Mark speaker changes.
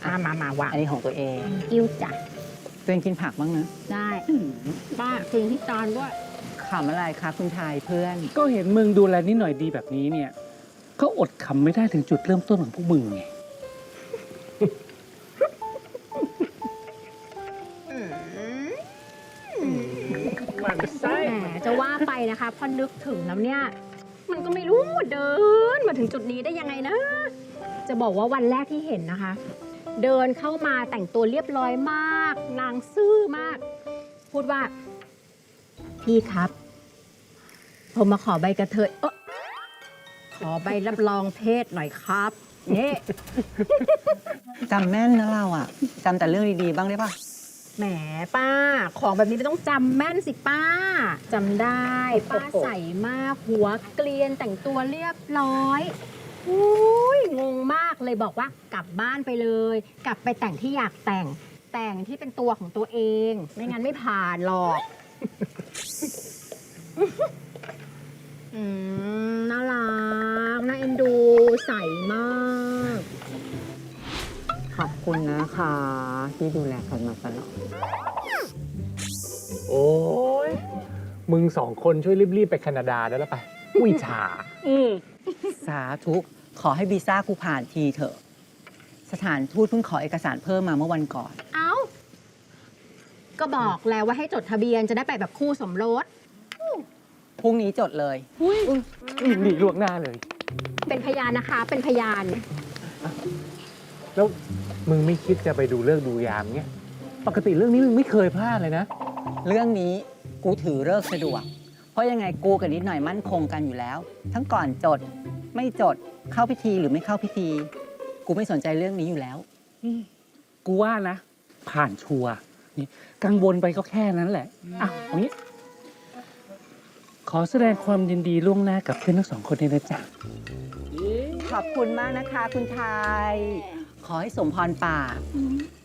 Speaker 1: มาวาง
Speaker 2: อันนี้ของตัวเอง
Speaker 1: กิ้วจ้ะ
Speaker 2: ตัวเองกินผักบ้างนะ
Speaker 1: ได้ป้ากินที่จานด้วย
Speaker 2: ขำอะไรคะคุณชายเพื่อน
Speaker 3: ก็เห็นมึงดูแลนิดหน่อยดีแบบนี้เนี่ย ก็อดขำไม่ได้ถึงจุดเริ่มต้นของพวกมึงไง
Speaker 1: แหมจะว่าไปนะคะพอนึกถึงแล้วเนี่ย มันก็ไม่รู้เดินมาถึงจุดนี้ได้ยังไงนะ จะบอกว่าวันแรกที่เห็นนะคะ เดินเข้ามาแต่งตัวเรียบร้อยมากนางซื่อมาก พูดว่า พี่ครับ ผมมาขอใบกระเทยขอใบรับรองเพศหน่อยครับนี่
Speaker 2: จำแม่นนะเราอ่ะจำแต่เรื่องดีๆบ้างได้ปะ
Speaker 1: แหมป้า ของแบบนี้ไม่ต้องจำแม่นสิป้าจำได้ป้าใส่มากหัวเกลียนแต่งตัวเรียบร้อยอุ้ยงงมากเลยบอกว่ากลับบ้านไปเลย กลับไปแต่งที่อยากแต่งที่เป็นตัวของตัวเอง ไม่งั้นไม่ผ่านหรอกน่ารักน่าเอ็นดูใสมาก
Speaker 2: ขอบคุณนะคะที่ดูแลกันมาตลอด
Speaker 4: โอ้ยมึง2 คนช่วยรีบๆไปแคนาดาได้แล้วไปอุ้ยฉา
Speaker 2: สาธุขอให้วีซ่ากูผ่านทีเถอะ สถานทูตเพิ่งขอเอกสารเพิ่มมาเมื่อวันก่อน
Speaker 1: เอ้า ก็บอกแล้วว่าให้จดทะเบียนจะได้ไปแบบคู่สมรส
Speaker 2: พรุ่งนี้จดเลย
Speaker 4: หนีล่วงหน้าเลย
Speaker 1: เป็นพยานนะคะ เป็นพยาน
Speaker 4: แล้วมึงไม่คิดจะไปดูเลิกษ์ดูยามเงี้ยปกติเรื่องนี้มึงไม่เคยพลาดเลยนะ
Speaker 2: เรื่องนี้กูถือเลิกษ์สะดวก เพราะยังไงกูกับนิดหน่อยมั่นคงกันอยู่แล้ว ทั้งก่อนจด ไม่จด เข้าพิธีหรือไม่เข้าพิธี กูไม่สนใจเรื่องนี้อยู่แล้ว
Speaker 3: กูว่านะ ผ่านชัวร์นี่กังวลไปก็แค่นั้นแหละอ่ะเอางี้ ขอแสดงความยินดีล่วงหน้ากับเพื่อนทั้ง2 คนด้วยนะจ๊ะ
Speaker 2: ขอบคุณมากนะคะ คุณชาย ขอให้สมพรปาก